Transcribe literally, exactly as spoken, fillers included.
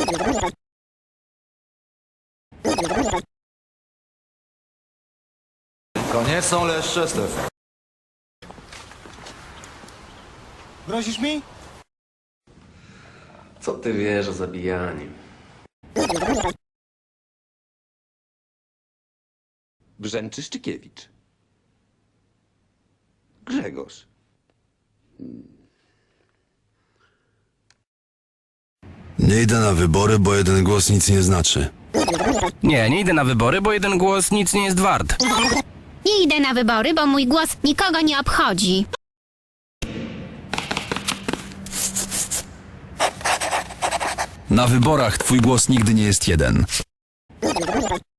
To nie są leszcze, Stefan. Grozisz mi? Co ty wiesz o zabijaniu? Brzęczy Szczykiewicz. Grzegorz. Nie idę na wybory, bo jeden głos nic nie znaczy. Nie, nie idę na wybory, bo jeden głos nic nie jest wart. Nie idę na wybory, bo mój głos nikogo nie obchodzi. Na wyborach twój głos nigdy nie jest jeden.